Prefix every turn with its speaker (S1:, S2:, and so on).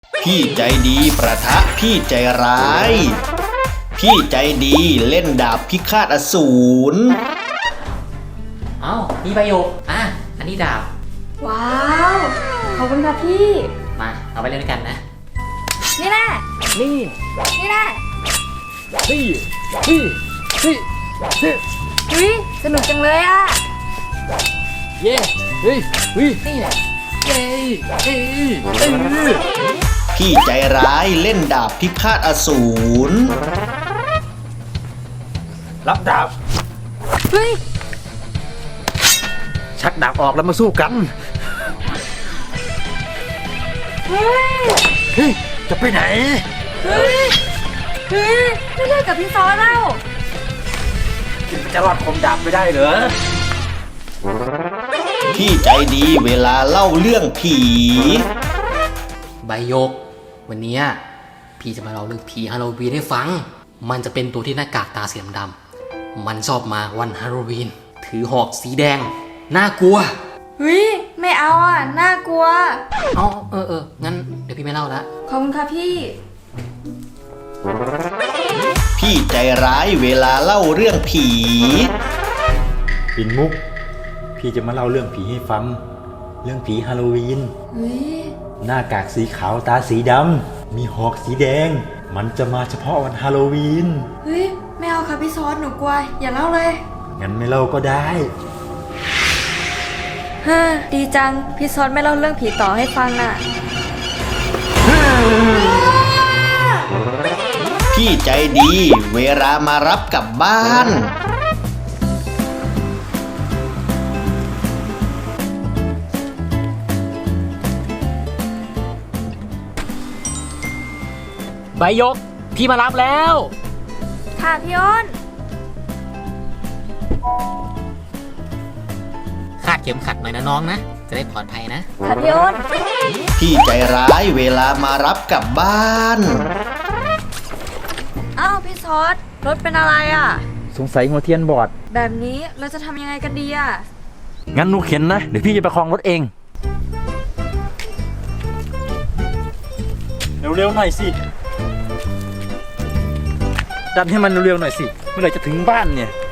S1: พี่ใจดีประทะพี่ใจร้าย พี่ใจดีเล่นดาบพิฆาตอสูร
S2: เอ้ามีประโยคอันนี้ดาบ
S3: ว้าวขอบคุณค่ะพี่
S2: มาเอาไปเล่นด้วยกันนะ
S3: นี่แน่
S4: นี่
S3: นี่แน่
S4: นี่นี่นี่นี่
S3: อุ้ยสนุกจังเลยอ่ะ
S4: เย้เฮ้ยเฮ้ยนี่แหละเย้เฮ้ยเฮ้ย
S1: พี่ใจร้ายเล่นดาบพิฆาตอสูร
S4: รับดาบ
S3: เฮ้ย
S4: ชักดาบออกแล้วมาสู้กัน
S3: เฮ้ย
S4: เฮ้ยจะไปไหน
S3: เฮ้ยเฮ้ยไม่เล่นกับพี่ซอแล้ว
S4: จะรอดคมดาบไม่ได้เหรอ
S1: พี่ใจดีเวลาเล่าเรื่องผี
S2: ใบโยก วันนี้พี่จะมาเล่าเรื่องผีฮาโลวีนให้ฟัง มันจะเป็นตัวที่หน้ากากตาสีดำๆมันชอบมาวันฮาโลวีนถือหอกสีแดงน่ากลัว
S3: เฮ้ยไม่เอาอ่ะน่ากลัว
S2: เอางั้นเดี๋ยวพี่ไม่เล่าละ
S3: ขอบคุณค่ะพี่
S1: พี่ใจร้ายเวลาเล่าเรื่องผี
S5: ปิ่นมุก พี่จะมาเล่าเรื่องผีให้ฟัง เรื่องผีฮาโลวีน
S3: เฮ้ย
S5: หน้ากากสีขาวตาสีดำ มีหอกสีแดง มันจะมาเฉพาะวันฮาโลวีน
S3: เฮ้ยไม่เอาค่ะพี่ซอหนูกลัวอย่าเล่าเลย
S5: งั้นไม่เล่าก็ได้
S3: ฮ่าดีจังพี่ซอไม่เล่าเรื่องผีต่อให้ฟังอ่ะ
S1: พี่ใจดีเวลามารับกลับบ้าน
S2: ใบโยก พี่มารับแล้ว
S3: ค่ะพี่อ้น
S2: คาดเข็มขัดหน่อยนะน้องนะ จะได้ปลอดภัยนะ
S3: ค่ะพี่อ้น
S1: พี่ใจร้ายเวลามารับกลับบ้าน
S3: อ้าวพี่ซอสรถเป็นอะไรอ่ะ
S5: สงสัยหัวเทียนบอด
S3: แบบนี้เราจะทำยังไงกันดีอ่ะ
S5: งั้นหนูเข็นนะ เดี๋ยวพี่จะประคองรถเอง เร็วๆหน่อยสิ ดันให้มันเร็วๆหน่อยสิ เมื่อไหร่จะถึงบ้านเนี่ย